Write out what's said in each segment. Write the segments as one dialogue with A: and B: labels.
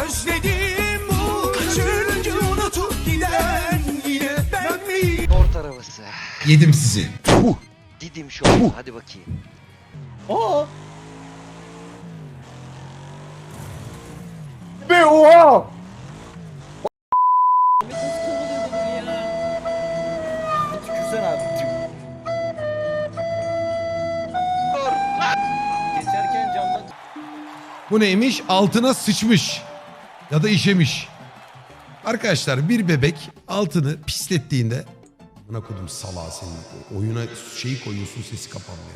A: Özledim bu çünkü unutup giden yine ben miyim?
B: Sport arabası.
C: Yedim sizi.
B: Didim şu an. Hadi bakayım.
D: Aa. Be oha. Tükürsen abi. Geçerken camdan.
C: Bu neymiş? Altına sıçmış. Ya da işemiş. Arkadaşlar bir bebek altını pislettiğinde... Buna kodum salağı senin. Oyuna şeyi koyuyorsun, sesi kapanmıyor.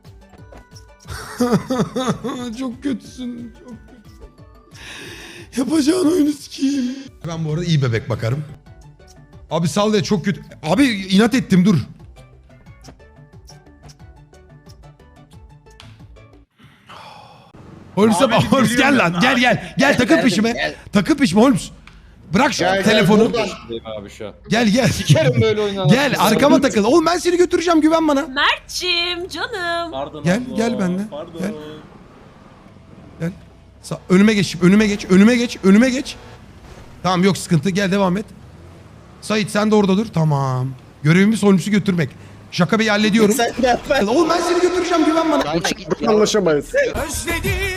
C: Çok kötüsün. Çok kötüsün. Yapacağın oyunu sikeyim. Ben bu arada iyi bebek bakarım. Abi sal ya, çok kötü. Abi inat ettim, dur. Holmes gel lan, gel takıl peşime. Takıl peşime Holmes. Bırak şu telefonu.
D: Abi şu an.
C: Gel.
D: Sikerim böyle oynanan.
C: Gel arkama takıl. Oğlum ben seni götüreceğim, güven bana.
E: Mert'cim canım.
D: Pardon
C: Gel,
D: abla,
C: gel benimle.
D: Pardon.
C: Gel. Gel. Önüme geç, önüme geç. Tamam, yok sıkıntı, gel devam et. Sait sen de orada dur. Tamam. Görevimiz Holmes'u götürmek. Şaka Bey'i hallediyorum.
D: Sen de yapma.
C: Oğlum ben seni götüreceğim, güven bana.
B: Gitme git ya.
F: Anlaşamayız.
A: Özledim